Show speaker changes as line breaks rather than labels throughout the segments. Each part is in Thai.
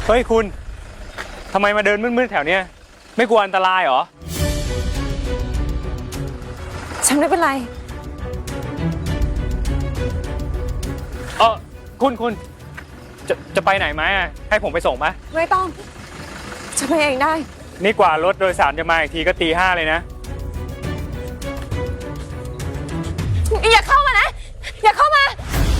เฮ้ยคุณทำไมมาเดินมืดๆแถวเนี้ยไม่กลัวอันตรายเหรอ
ฉันไม่เป็นไร
คุณจะไปไหนไหมให้ผมไปส่งไหม
ไม่ต้องฉันไปเองได้
นี่กว่ารถโดยสารจะมาอีกทีก็ตี 5เลยนะ
อย่าเข้ามานะอย่าเข้ามา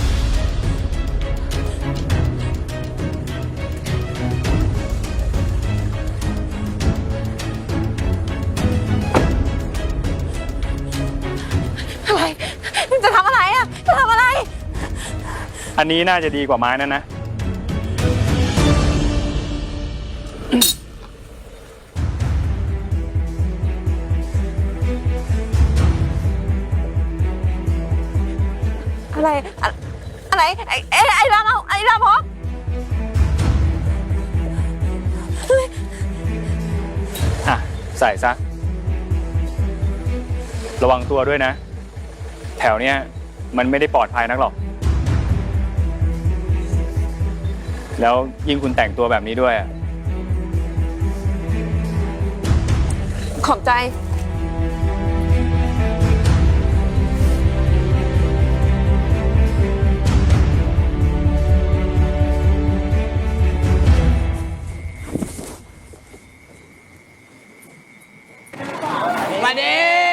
อะไรจะทำอะไรอ่ะจะทำอะไร
อันนี้น่าจะดีกว่าไม้นั่นนะ
อะไรไอ้รามเอาไอ้รามพก
ใส่ซะระวังตัวด้วยนะแถวเนี้ยมันไม่ได้ปลอดภัยนักหรอกแล้วยิ่งคุณแต่งตัวแบบนี้ด้วย
ขอบใจ
มาดิ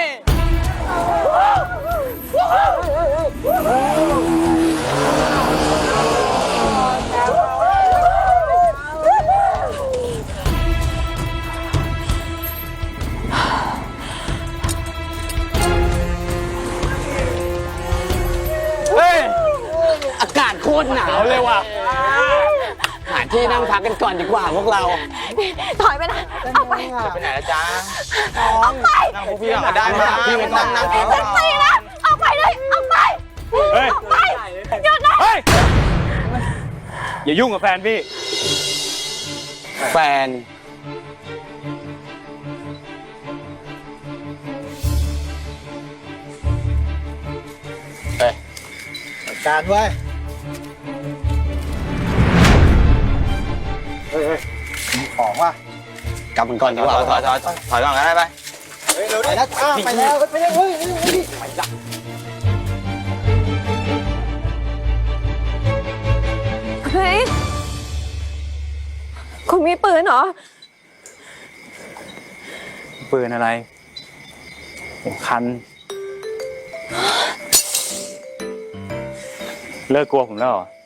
อากาศโคตรหนาวเลยว่ะหาที่นั่งพักกันก่อนดีกว่าพวกเรา
ถอยไปนะออกไป
ไปไหนละจ๊ะ
ออกไป
นั่งพวกพี่ก็ได้มาพี่ไม่ต้องนั่ง
ฉันตีนะออกไปเลยออกไปออกไปหยุดนะ
อย่ายุ่งกับแฟนพี่
แฟน
การไว้เฮ้ยของว่ะ
กลับมันก่อนดีกว่าถอยก่อนก็ได้ไป
ไปแล้วไปแล้วไปแล้วเฮ้ย
เฮ้ยคุณมีปืนเหรอ
ปืนอะไรผมคันเลิกกลัวผมแล้วเหรอ